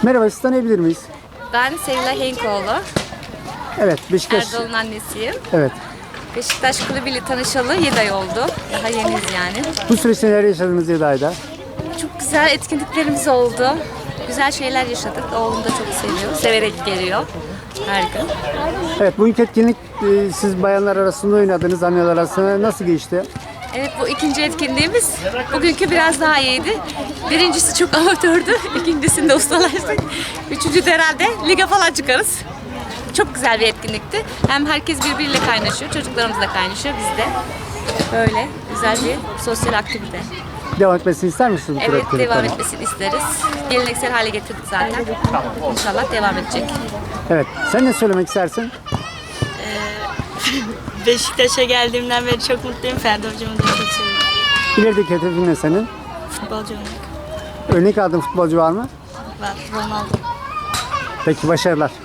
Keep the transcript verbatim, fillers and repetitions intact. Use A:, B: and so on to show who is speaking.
A: Merhaba, sizi tanıyabilir miyiz?
B: Ben Sevilay Henkoğlu.
A: Evet, Beşiktaş.
B: Erdal'ın annesiyim.
A: Evet.
B: Beşiktaş Kulübü ile tanışalı yedi ay oldu. Daha yeniyiz yani.
A: Bu süreçte neler yaşadınız yedi ayda?
B: Çok güzel etkinliklerimiz oldu. Güzel şeyler yaşadık. Oğlum da çok seviyor. Severek geliyor her gün.
A: Evet, bugünkü etkinlik e, siz bayanlar arasında oynadınız, anneler arasında nasıl geçti?
B: Evet, bu ikinci etkinliğimiz. Bugünkü biraz daha iyiydi. Birincisi çok amatördü. İkincisinde ustalaştık. Üçüncü de herhalde lige falan çıkarız. Çok güzel bir etkinlikti. Hem herkes birbiriyle kaynaşıyor. Çocuklarımız da kaynaşıyor. Biz de. Böyle güzel bir sosyal aktivite.
A: Devam etmesini ister misiniz bu tür
B: Evet,
A: etkinliklerin?
B: devam etmesini isteriz. Geleneksel hale getirdik zaten. İnşallah devam edecek.
A: Evet, sen ne söylemek istersin?
C: Beşiktaş'a geldiğimden beri çok mutluyum. Ferdi hocamı da çok seviyorum.
A: İlerideki hedefin ne senin?
C: Futbolcu olmak
A: Örnek aldığın futbolcu var mı?
C: var. Ronaldo.
A: Peki, başarılar.